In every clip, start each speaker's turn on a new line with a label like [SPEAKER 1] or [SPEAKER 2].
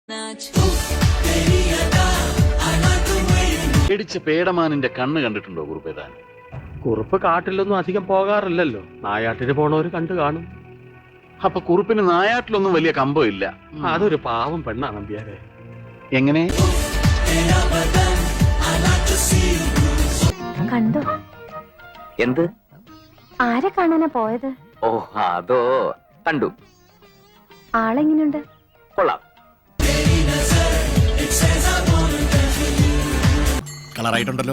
[SPEAKER 1] പേടിച്ച പേടമാനിന്റെ കണ്ണ് കണ്ടിട്ടുണ്ടോ കുറുപ്പേതാൻ?
[SPEAKER 2] കുറുപ്പ് കാട്ടിലൊന്നും അധികം പോകാറില്ലല്ലോ. നായാട്ടിന് പോണവര് കണ്ടു കാണും.
[SPEAKER 1] അപ്പൊ കുറുപ്പിന് നായാട്ടിലൊന്നും വലിയ കമ്പമില്ല.
[SPEAKER 2] അതൊരു പാവം പെണ്ണാണ് നമ്പ്യാരെ.
[SPEAKER 1] എങ്ങനെ
[SPEAKER 3] കണ്ടോ?
[SPEAKER 4] എന്ത്?
[SPEAKER 3] ആരെ കാണാനാ പോയത്?
[SPEAKER 4] ഓ അതോ, കണ്ടു.
[SPEAKER 3] ആളെങ്ങനെയുണ്ട്?
[SPEAKER 4] കൊള്ളാം.
[SPEAKER 5] കളറായിട്ടുണ്ടല്ലോ.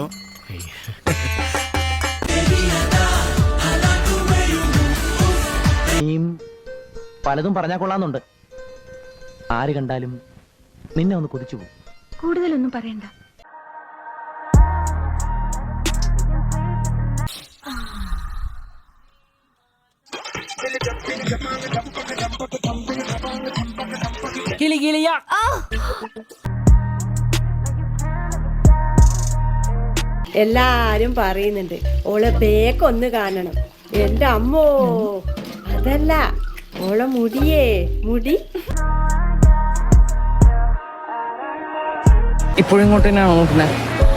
[SPEAKER 6] പലതും പറഞ്ഞാൽ കൊള്ളാന്നുണ്ട്. ആര് കണ്ടാലും നിന്നെ ഒന്ന് കൊതിച്ചു പോകും.
[SPEAKER 3] കൂടുതലൊന്നും പറയണ്ട.
[SPEAKER 7] എല്ലാരും പറയുന്നുണ്ട് ഓളെ ബേക്കൊന്ന് കാണണം. എന്റെ അമ്മോ, അതല്ല ഓളെ മുടിയേ, മുടി
[SPEAKER 6] ഇപ്പോഴും ഇങ്ങോട്ട് തന്നെയാണോ നോക്കുന്നത്?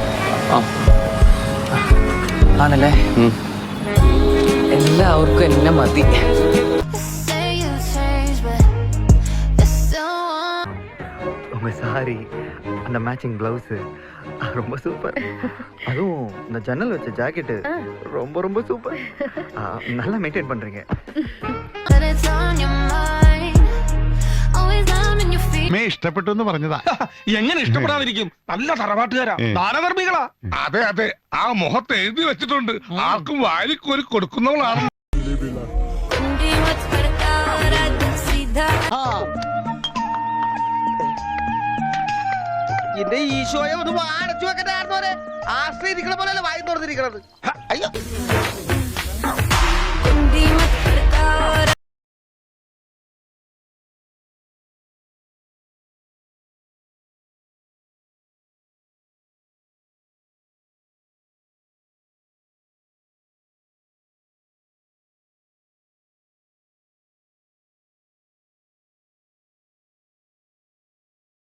[SPEAKER 6] ആണല്ലേ. എല്ലാവർക്കും എന്നെ മതി.
[SPEAKER 8] உங்க சாரி, அந்த மேட்சிங் பிளவுஸ் ரொம்ப சூப்பர். அதுவும் இந்த ஜன்னல் வச்ச ஜாக்கெட் ரொம்ப ரொம்ப சூப்பர். நல்லா மெயின்டைன் பண்றீங்க.
[SPEAKER 5] ഇഷ്ടപ്പെട്ടു എന്ന് പറഞ്ഞതാ.
[SPEAKER 9] എങ്ങനെ ഇഷ്ടപ്പെടാതിരിക്കും? നല്ല തറവാട്ടുകാരാ, ദാനധർമ്മികളാ.
[SPEAKER 5] അതെ അതെ, ആ മുഖത്ത് എഴുതി വെച്ചിട്ടുണ്ട്, ആർക്കും വാരിക്കോരി കൊടുക്കുന്നവളാണ്.
[SPEAKER 9] എന്റെ ഈശോയെ ഒന്ന് അടച്ചു വെക്കണ്ടായിരുന്നോരെ. ആശ്രയിരിക്കണ പോലെയല്ല വായി തുറന്നിരിക്കണത്. അയ്യോ.